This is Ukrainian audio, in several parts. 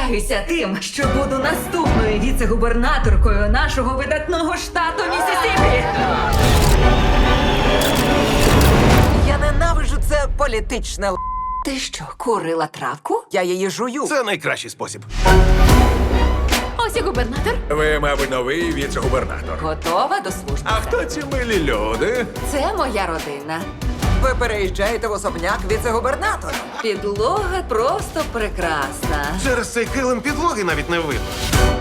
Пишаюся тим, що буду наступною віце-губернаторкою нашого видатного штату Міссісіпі. Я ненавиджу це політичне л***. Ти що, курила травку? Я її жую. Це найкращий спосіб. Ось і губернатор. Ви, мабуть, новий віце-губернатор. Готова до служби. А хто ці милі люди? Це моя родина. Ви переїжджаєте в особняк віце-губернатора. Підлога просто прекрасна. Через цей килим підлоги навіть не видно.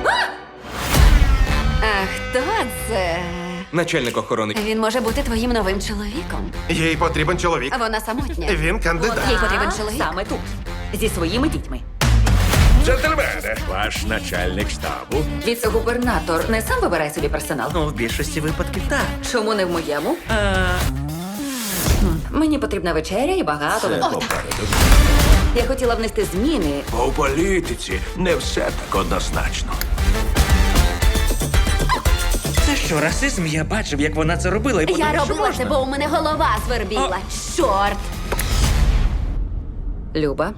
А хто це? Начальник охорони. Він може бути твоїм новим чоловіком. Їй потрібен чоловік. Вона самотня. Він кандидат. Їй потрібен чоловік. Саме тут. Зі своїми дітьми. Джентльмени, ваш начальник штабу. Віце-губернатор не сам вибирає собі персонал. Ну, в більшості випадків так. Чому не в моєму? Мені потрібна вечеря і багато вина. Попереду. Я хотіла внести зміни. У політиці не все так однозначно. Це що, расизм? Я бачив, як вона це робила, і Я подумав, що робила можна. це, бо у мене голова свербіла. Чорт! Люба,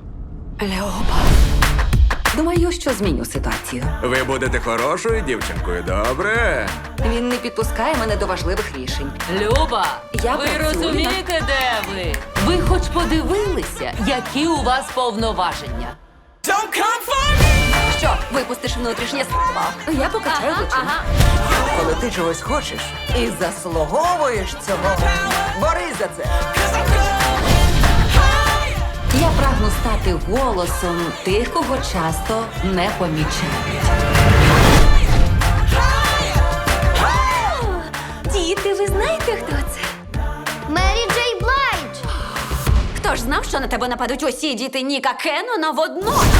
думаю, що зміню ситуацію. Ви будете хорошою дівчинкою, добре? Він не підпускає мене до важливих рішень. Люба, Я ви працюю розумієте, де ви? Ви хоч подивилися, які у вас повноваження? Що, випустиш внутрішнє справа? Я покачаю плечима. Коли ти чогось хочеш і заслуговуєш цього, борись за це. Я прагну стати голосом тих, кого часто не помічають. Діти, ви знаєте, хто це? Мері Джей Блайдж! Хто ж знав, що на тебе нападуть усі діти Ніка Кеннона водночас?